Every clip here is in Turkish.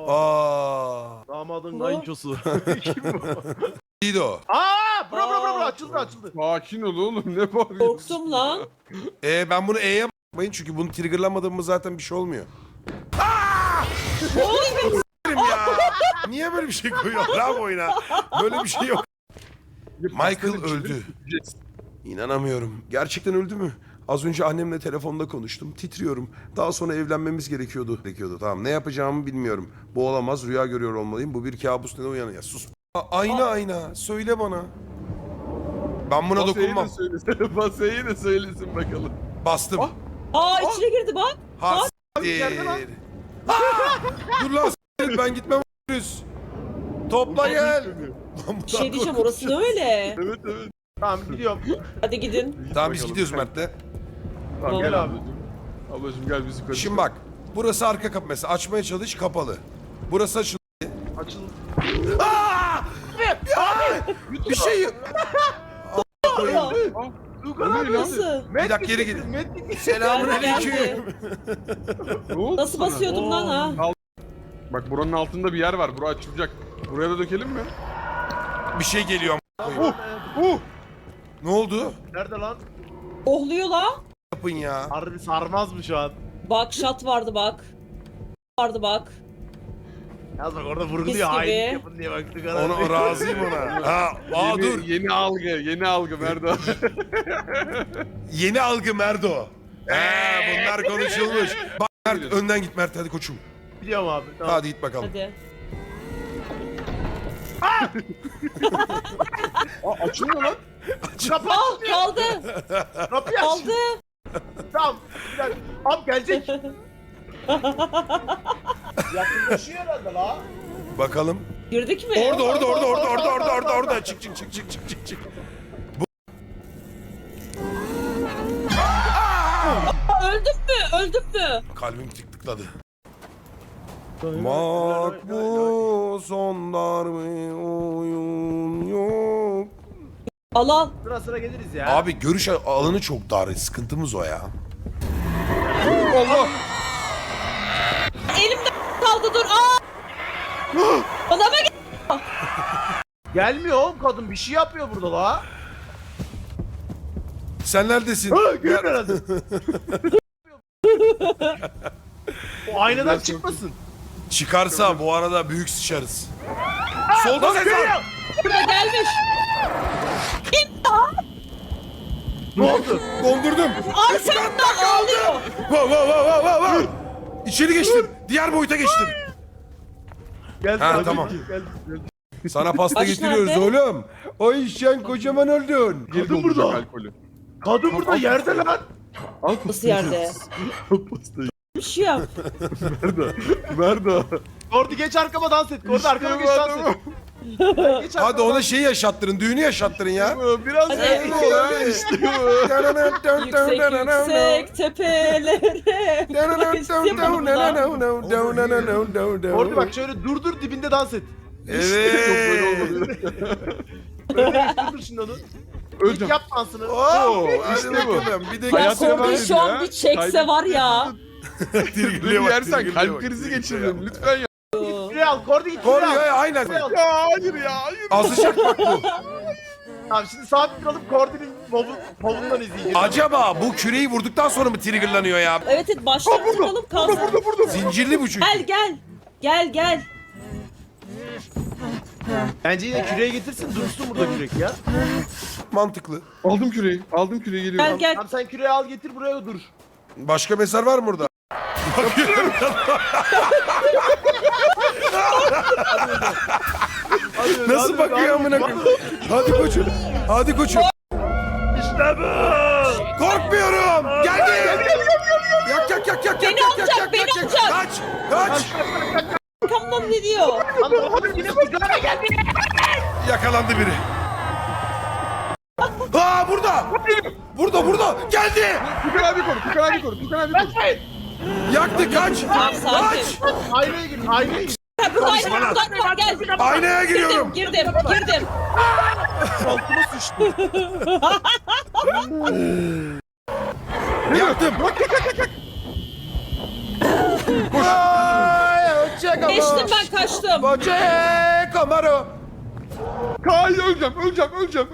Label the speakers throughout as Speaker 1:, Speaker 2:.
Speaker 1: Aa.
Speaker 2: Damadın
Speaker 3: Bu?
Speaker 2: kayınçosu. Kim bu?
Speaker 1: İyiydi o.
Speaker 2: Bro açıldı.
Speaker 4: Sakin ol oğlum, ne bağırıyorsun?
Speaker 3: Korktum lan.
Speaker 1: Ben bunu E'ye bakmayın çünkü bunu triggerlamadığımı zaten bir şey olmuyor. Ya. Niye böyle bir şey koyuyor lan oyuna? Böyle bir şey yok. Michael öldü. İnanamıyorum. Gerçekten öldü mü? Az önce annemle telefonda konuştum. Titriyorum. Daha sonra evlenmemiz gerekiyordu. Tamam, ne yapacağımı bilmiyorum. Bu olamaz. Rüya görüyor olmalıyım. Bu bir kabus. Neden uyanıyor? Sus. Ayna. Söyle bana. Ben buna dokunmam.
Speaker 4: Basayı da söylesin bakalım.
Speaker 1: Bastım.
Speaker 3: İçine girdi bak.
Speaker 1: Hastir. Dur lan s**tim, ben gitmem. Topla gel.
Speaker 3: Bir şey diyeceğim, orası da öyle.
Speaker 4: Evet.
Speaker 2: Tamam gidiyorum.
Speaker 3: Hadi gidin.
Speaker 1: Tamam biz gidiyoruz Mert'le.
Speaker 4: Tamam gel
Speaker 2: Tamam.
Speaker 4: ablacığım. Ablacığım gel bizi karıştır.
Speaker 1: Şimdi bak. Burası arka kapı mesela. Açmaya çalış, kapalı. Burası açıldı.
Speaker 2: Açıldı.
Speaker 1: Bir şey.
Speaker 2: Tuğkan
Speaker 4: Ne
Speaker 2: abi.
Speaker 4: lan?
Speaker 3: Nasıl?
Speaker 1: Bir dakika geri gidin. Selamun aleyküm.
Speaker 4: Ne oldu
Speaker 3: Nasıl
Speaker 4: sana?
Speaker 3: basıyordum lan ha?
Speaker 4: Bak buranın altında bir yer var. Bura açılacak. Buraya da dökelim mi?
Speaker 1: Bir şey geliyor. Ne oldu?
Speaker 2: Nerede lan?
Speaker 3: Ohluyor lan.
Speaker 1: Yapın ya.
Speaker 2: Harbi sarmaz mı şu an?
Speaker 3: Bak şat vardı bak.
Speaker 2: Yaz bak orada
Speaker 3: Mis
Speaker 2: vurguluyor.
Speaker 3: gibi.
Speaker 2: Hain yapın diye bak Tuğkan abi.
Speaker 1: Ona razıyım ona.
Speaker 4: Yeni,
Speaker 1: Dur.
Speaker 4: Yeni algı Merdo.
Speaker 1: Yeni algı Merdo. Bunlar konuşulmuş. Bak Mert, önden git Mert, hadi koçum.
Speaker 2: Biliyorum abi. Tamam.
Speaker 1: Hadi git bakalım.
Speaker 3: Hadi.
Speaker 4: Açılmıyor lan.
Speaker 2: Kapı
Speaker 3: Kaldı.
Speaker 2: Kapıyı aç.
Speaker 3: Kaldı.
Speaker 2: Tamam. Bir dakika. Abi gelecek. Yakınlaşıyor herhalde la.
Speaker 1: Bakalım.
Speaker 3: Girdik mi?
Speaker 1: Orada. Çık.
Speaker 3: Öldüm mü?
Speaker 1: Kalbim tıkladı. Makbuz onlar mı oyun yok.
Speaker 3: Al.
Speaker 2: Sıra geliriz ya.
Speaker 1: Abi görüş alanı çok dar. Sıkıntımız o ya.
Speaker 4: Allah.
Speaker 3: Elimde kaldı, dur. Bana mı
Speaker 2: Gelmiyor oğlum kadın, bir şey yapıyor burada la.
Speaker 1: Sen neredesin?
Speaker 2: Gel herhalde. O aynadan çıkmasın.
Speaker 1: Çıkarsa bu arada büyük sıçarız. Solda ses var.
Speaker 3: burada gelmiş?
Speaker 2: Ne oldu?
Speaker 1: Dondurdum.
Speaker 3: Arkamdan ağlıyor.
Speaker 1: Va. İçeri geçtim. Diğer boyuta geçtim.
Speaker 2: Gel.
Speaker 1: Ha,
Speaker 2: hadi.
Speaker 1: tamam.
Speaker 2: Gel.
Speaker 1: Sana pasta
Speaker 3: Aç
Speaker 1: getiriyoruz
Speaker 3: nerede?
Speaker 1: oğlum. Ay sen kocaman oldun.
Speaker 4: Geri
Speaker 2: Kadın
Speaker 4: dolduracak
Speaker 2: burada.
Speaker 4: alkolü.
Speaker 2: Kadın burada yerde lan.
Speaker 4: Al
Speaker 3: Nasıl yerde?
Speaker 4: pastayı.
Speaker 3: Bir şey yap.
Speaker 4: Merdo.
Speaker 2: Kordi geç arkama dans et. Kordi arkama geç dans et. Geç
Speaker 1: Hadi
Speaker 2: arkama
Speaker 1: ona
Speaker 2: dans
Speaker 1: şeyi yaşattırın, düğünü yaşattırın ya.
Speaker 4: Biraz
Speaker 3: Hadi.
Speaker 4: evli ol ha. İşte bu.
Speaker 3: Yüksek tepelere.
Speaker 2: Kordi bak şöyle dur dibinde dans et.
Speaker 1: Evet.
Speaker 2: Dur şimdi onu.
Speaker 4: Öleceğim.
Speaker 2: Yap dansını.
Speaker 1: Oo,
Speaker 4: İşte
Speaker 1: hadi
Speaker 4: bu.
Speaker 1: bakalım. Bir de
Speaker 3: Ya
Speaker 4: Hayatına
Speaker 3: Kordi
Speaker 4: bakın
Speaker 3: şu an
Speaker 4: ya.
Speaker 3: bir çekse var ya.
Speaker 4: Beni yersen kalp krizi geçiririm. Lütfen ya.
Speaker 2: Küreği al. Kordi git.
Speaker 1: Koru
Speaker 2: küreği al.
Speaker 1: ya, aynen.
Speaker 2: Küreği al.
Speaker 4: Ya hayır ya hayır.
Speaker 1: Azıcık bak bu.
Speaker 2: Tamam şimdi sabit kalıp Kordi'nin povundan izleyeceğiz.
Speaker 1: Acaba bu küreyi vurduktan sonra mı triggerlanıyor ya?
Speaker 3: Evet baştan tutalım kalsın.
Speaker 1: Zincirli bu çünkü.
Speaker 3: Gel.
Speaker 2: Bence yine küreği getirsin dursun burada kürek ya.
Speaker 1: Mantıklı.
Speaker 4: Aldım küreği. Aldım küreği geliyorum.
Speaker 3: Gel.
Speaker 2: Tamam sen küreği al getir buraya dur.
Speaker 1: Başka mezar var mı burada? Bakıyorum. Nasıl bakıyor amına koyayım? Hadi koçum. Hadi koçum.
Speaker 2: İşte bu.
Speaker 1: Korkmuyorum. Geldi. Yak.
Speaker 3: Beni alacak, beni alacak.
Speaker 1: Kaç.
Speaker 3: Arkamdan ne diyor?
Speaker 2: Lan oğlum yine sigara geldi.
Speaker 1: Yakalandı biri. Aa burada. Burada. Geldi.
Speaker 4: Tukan abi koru.
Speaker 1: Yaktı, kaç.
Speaker 3: Tamam, sakin.
Speaker 1: Kaç.
Speaker 2: Aynaya gir.
Speaker 3: Buradayım var gel.
Speaker 1: Aynaya giriyorum.
Speaker 3: Girdim.
Speaker 2: Altıma sıçtı.
Speaker 1: Yaktım.
Speaker 2: Ay, hoşça
Speaker 3: Geçtim ben kaçtım.
Speaker 1: Boche Camaro.
Speaker 4: Kay öleceğim.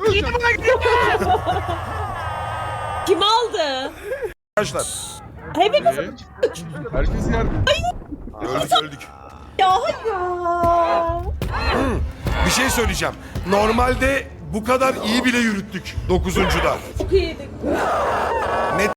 Speaker 3: Kim aldı?
Speaker 1: Arkadaşlar
Speaker 3: Hepimiz
Speaker 4: Herkes yerde.
Speaker 1: öldük.
Speaker 3: ya ya.
Speaker 1: Bir şey söyleyeceğim. Normalde bu kadar iyi bile yürüttük 9'uncuda.
Speaker 3: Çok iyiydik.